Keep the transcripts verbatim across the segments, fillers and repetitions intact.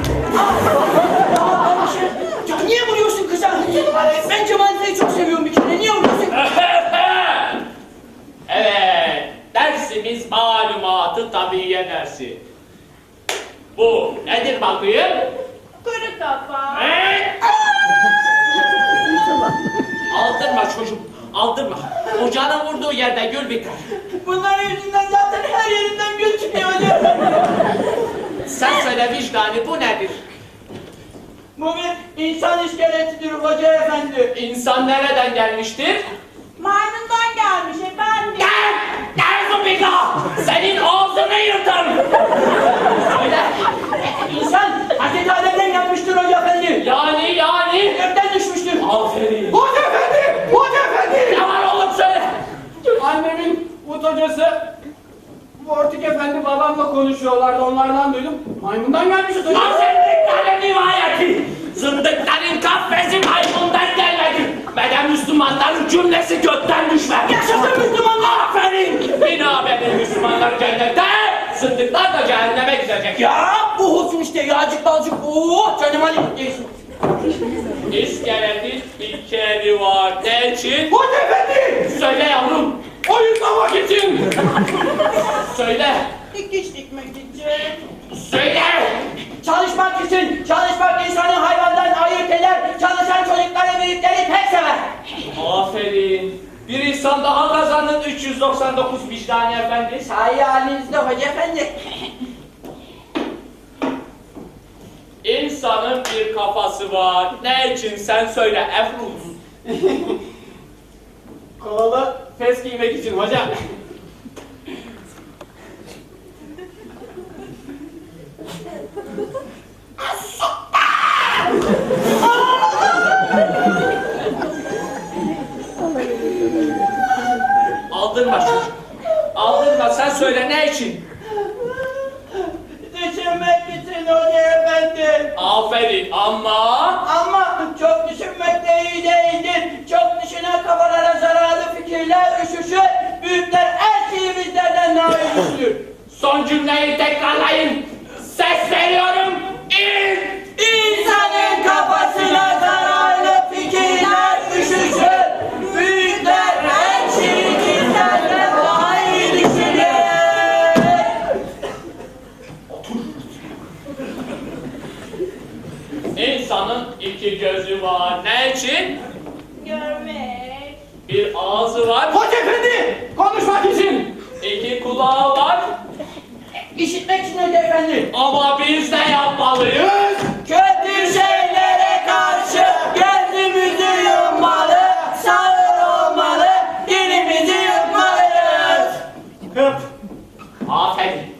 Ya niye vuruyorsun kıza? Ben Cemal çok seviyorum bir kere. Niye vuruyorsun? Evet, dersimiz malumatı tabiiye dersi. Bu nedir bakayım? Kuru kafa. Evet. Aldırma çocuğum, aldırma. Ocağın vurduğu yerde gül biter. Bunların yüzünden zaten her yerimden gül çıkıyor hocam. Sen söyle vicdani, bu nedir? Bu bir insan iskeletidir hoca efendi. İnsan nereden gelmiştir? Maymundan gelmiş efendim. Gel! Gel Zubida! Senin ağzını yırtarım! Söyle! İnsan Hazreti Adem'den gelmiştir hoca efendi. Yani yani! Gökten düşmüştür. Aferin! Hoca efendi! Hoca efendi! Ne var oğlum söyle! Annemin Umut hocası Vortik efendi babamla konuşuyorlardı, onlardan duydum. Maymundan gelmişiz hocam. Zındıkların rivayeti! Zındıkların kafesi maymundan gelmedi! Beden Müslümanların cümlesi gökten düşmedi! Yaşasın Müslümanlar! Aferin! Bina benim Müslümanlar cennette! Zındıklar da cehenneme gidecek ya! Ya bu olsun işte yağcık balcık. Oo canım Ali değilsin. İskeletin bir keri var. Ne için? Hoca efendi! Söyle yavrum! Oyunlamak için! Söyle! Dikiş dikmek için. Söyle! Çalışmak için, çalışmak insanı hayvandan ayırt eder. Çalışan çocukları büyükleri pek sever. Aferin! Bir insan daha kazandın üç yüz doksan dokuz vicdani efendi. Sahi halinizde hoca efendi. İnsanın bir kafası var. Ne için sen söyle Efruz. Kolalı fes giymek için hocam. Aldırma çocuk. Aldırma sen söyle ne için? Düşünmek için hoca efendi. Aferin ama... Ama çok düşünmek de iyi değildir. Çok düşünen kafalara zararlı fikirler üşüşür. Büyükler her şeyi bizlerden daha iyi düşünür. Son cümleyi tekrarlayın. Ses veriyorum. İn! İnsanın kafasına zararlı fikirler üşüşür. Büyükler her şeyi bizlerden daha iyi düşünür. İnsanın iki gözü var. Ne için? Görmek. Bir ağzı var. Hoca efendi konuşmak için. İki kulağı var. İşitmek için hoca efendi. Ama biz ne yapmalıyız? Kötü şeylere karşı gözümüzü yummalı, sağır olmalı, dilimizi yutmalıyız. Hıp. Aferin.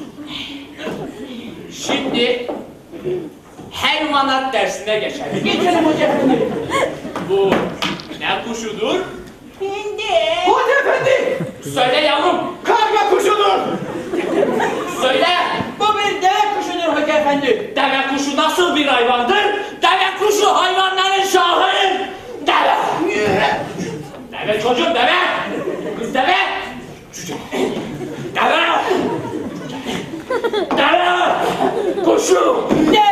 Şimdi hayvanat dersine geçelim. Geçelim hoca efendi. Bu ne kuşudur? Hindi. Hoca efendi! Söyle yavrum. Karga kuşudur. Söyle. Bu bir deve kuşudur hoca efendi. Deve kuşu nasıl bir hayvandır? Deve kuşu hayvanların şahıdır. Deve. Deve çocuğum deve. Kız deve. Deve. Deve. Kuşu. Deve